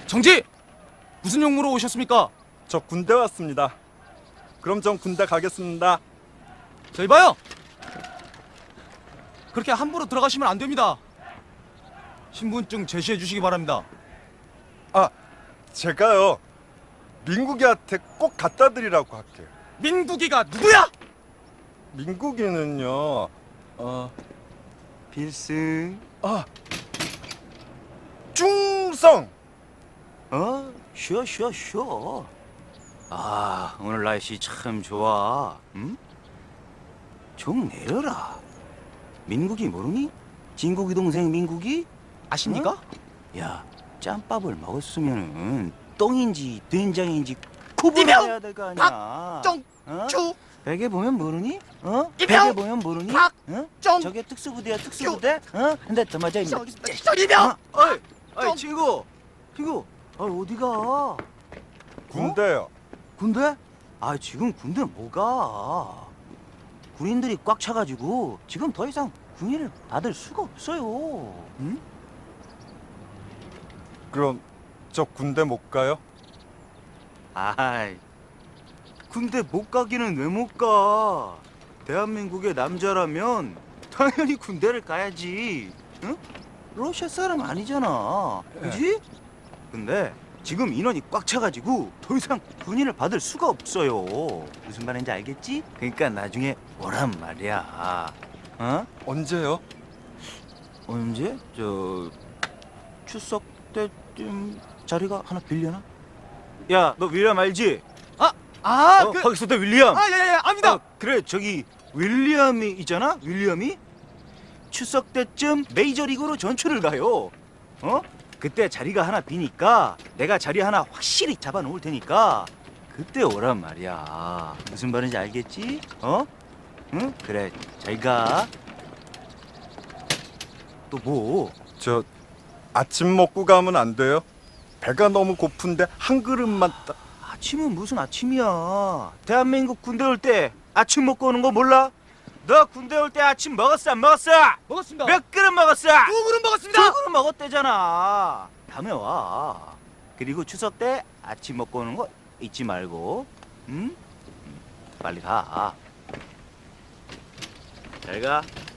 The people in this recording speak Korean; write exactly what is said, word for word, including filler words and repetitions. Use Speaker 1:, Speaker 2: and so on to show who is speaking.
Speaker 1: 정지! 무슨 용무로 오셨습니까?
Speaker 2: 저 군대 왔습니다. 그럼 전 군대 가겠습니다.
Speaker 1: 저희 봐요! 그렇게 함부로 들어가시면 안 됩니다. 신분증 제시해 주시기 바랍니다.
Speaker 2: 아, 제가요 민국이한테 꼭 갖다 드리라고 할게요.
Speaker 1: 민국이가 누구야?
Speaker 2: 민국이는요, 어,
Speaker 3: 필승.
Speaker 2: 아, 중성.
Speaker 3: 어? 쉬어 쉬어 쉬어. 아, 오늘 날씨 참 좋아. 응? 좀 내려라. 민국이 모르니? 진국이 동생 민국이?
Speaker 1: 아십니까?
Speaker 3: 어? 야, 짬밥을 먹었으면은 똥인지 된장인지 구분해야 될 거 아니야.
Speaker 1: 박정주!
Speaker 3: 어? 베개 보면 모르니? 어?
Speaker 1: 이병!
Speaker 3: 베개 보면 모르니? 어?
Speaker 1: 정-
Speaker 3: 저게 특수부대야 특수부대? 어? 근데 더 맞아 임마.
Speaker 1: 이병!
Speaker 3: 어이, 어이
Speaker 1: 좀-
Speaker 3: 친구, 친구, 아 어디가?
Speaker 2: 군대요.
Speaker 3: 군대? 아 지금 군대 못 가. 군인들이 꽉 차가지고 지금 더 이상 군인을 받을 수가 없어요. 응?
Speaker 2: 그럼 저 군대 못 가요?
Speaker 3: 아이, 군대 못 가기는 왜 못 가? 대한민국의 남자라면 당연히 군대를 가야지. 응? 러시아 사람 아니잖아. 그지? 근데 지금 인원이 꽉 차가지고 더 이상 군인을 받을 수가 없어요. 무슨 말인지 알겠지? 그러니까 나중에 오란 말이야. 어?
Speaker 2: 언제요?
Speaker 3: 언제? 저 추석 때쯤 자리가 하나 빌려나? 야, 너 윌리엄 알지?
Speaker 1: 아! 아!
Speaker 3: 어,
Speaker 1: 그...
Speaker 3: 거기서 또 윌리엄.
Speaker 1: 아, 예, 예, 압니다!
Speaker 3: 어, 그래, 저기 윌리엄이 있잖아. 윌리엄이 추석 때쯤 메이저리그로 전출을 가요. 어? 그때 자리가 하나 비니까 내가 자리 하나 확실히 잡아 놓을 테니까 그때 오란 말이야. 무슨 말인지 알겠지? 어? 응? 그래, 잘 가. 또 뭐?
Speaker 2: 저 아침 먹고 가면 안 돼요? 배가 너무 고픈데 한 그릇만 따...
Speaker 3: 아침은 무슨 아침이야. 대한민국 군대 올 때 아침 먹고 오는 거 몰라? 너 군대 올 때 아침 먹었어 안 먹었어?
Speaker 1: 먹었습니다.
Speaker 3: 몇 그릇 먹었어?
Speaker 1: 두 그릇 먹었습니다.
Speaker 3: 두 그릇 먹었대잖아. 다음에 와. 그리고 추석 때 아침 먹고 오는 거 잊지 말고. 응? 빨리 가. 잘 가.